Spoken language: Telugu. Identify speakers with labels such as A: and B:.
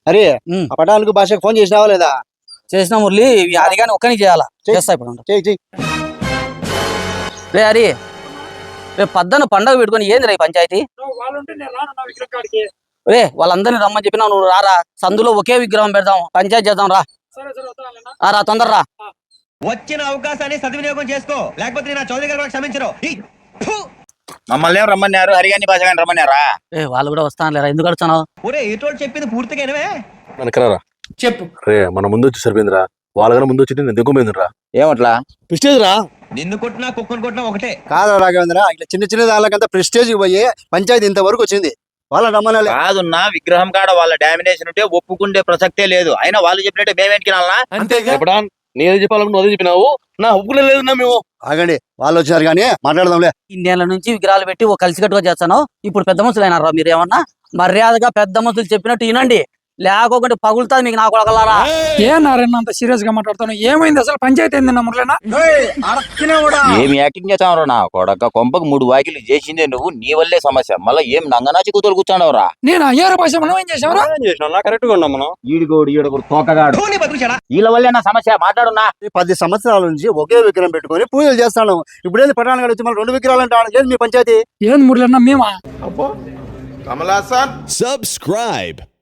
A: అరే ఆ పటాలకు భాషకు ఫోన్ చేసినావా లేదా?
B: చేసిన మురళి అది కానీ ఒక్కని చేయాలా చేస్తా ఇప్పుడు
A: చెయ్యి.
B: రే హరి రేపు పద్దన పండగ పెట్టుకొని ఏంది రే పంచాయతీ రే వాళ్ళందరినీ రమ్మని చెప్పినా నువ్వు రారా సందులో ఒకే విగ్రహం పెడదాం పంచాయతీ చేద్దాం రా రా తొందర రా
C: వచ్చిన అవకాశాన్ని సద్వినియోగం చేసుకో లేకపోతే నా చౌదరి గారు క్షమించరు
D: మమ్మల్ని ఏం రమ్మన్నారు హరిగాని భాష గాని రమ్మన్నారా?
B: వాళ్ళు కూడా వస్తాను లేరా ఎందుకు అడుగుతున్నావు
C: ఒరే ఏటోళ్ళు చెప్పింది పూర్తిగా వినవే
E: మనకరా
F: చెప్పు
E: రే మన ముందు వచ్చి సరిపోయిందిరా వాళ్ళకన్నా ముందు వచ్చి నేను దిగుపోయిందిరా
D: ఏమట్లా
A: ప్రెస్టేజ్ రా
C: నిన్ను కొట్టినా కుక్కను కొట్టినా ఒకటే
A: కాదు రాఘవేంద్ర, ఇట్లా చిన్న చిన్న దానికంతా ప్రెస్టేజ్ పోయి పంచాయతీ ఇంతవరకు వచ్చింది. వాళ్ళ రమ్మనాలి.
D: కాదున్నా విగ్రహం కాడ వాళ్ళ డామినేషన్ ఉంటే ఒప్పుకుంటే ప్రసక్తే లేదు. అయినా వాళ్ళు చెప్పినట్టే మేమేంటికి నాలనా?
E: చెప్పడా నేను చెప్పాలనుకున్నా అదే చెప్పినావు నా ఒప్పుకునే లేదన్నా మేము.
A: ఆగండి, వాళ్ళు వచ్చారు కానీ మాట్లాడదాంలే.
B: ఇన్నేళ్ల నుంచి విగ్రహాలు పెట్టి ఒక కలిసికట్టుగా చేస్తాను ఇప్పుడు పెద్ద మనుషులు అయినారా మీరు ఏమన్నా మర్యాదగా పెద్ద మనుషులు చెప్పినట్టు వినండి లేకోకుంటే పగులుతుంది మీకు నా కొడకలారా
F: ఏ నారాయణ అంత సీరియస్ గా మాట్లాడుతాను ఏమైంది అసలు పంచాయతీ ఏంది మురళినా
D: ఏమి యాక్టింగ్ చేస్తావు నా కొడక కొంపకు 3 వాకిలు చేసిందే నువ్వు. నీ వల్లే సమస్య. మళ్ళీ ఏం నంగనాచి కూతురు కూర్చున్నావురా?
F: నేను అయ్యారు భాష మనం ఏం చేసామరా
E: కరెక్ట్ గా ఉన్నాం మనం.
D: ఈడుగోడు తోకగాడు
C: ధోని బతుకుచాడా
D: వీళ్ళ వల్లే నా సమస్య. మాట్లాడున్నా.
A: 10 సంవత్సరాల నుంచి ఒకే విగ్రహం పెట్టుకొని పూజలు చేస్తాను. ఇప్పుడేంది పట్టణానికి వచ్చి మళ్ళీ 2 విగ్రహాలు అంటాను. ఏది మీ పంచాయతీ?
F: ఏంది మురళినా మేమా
G: Subscribe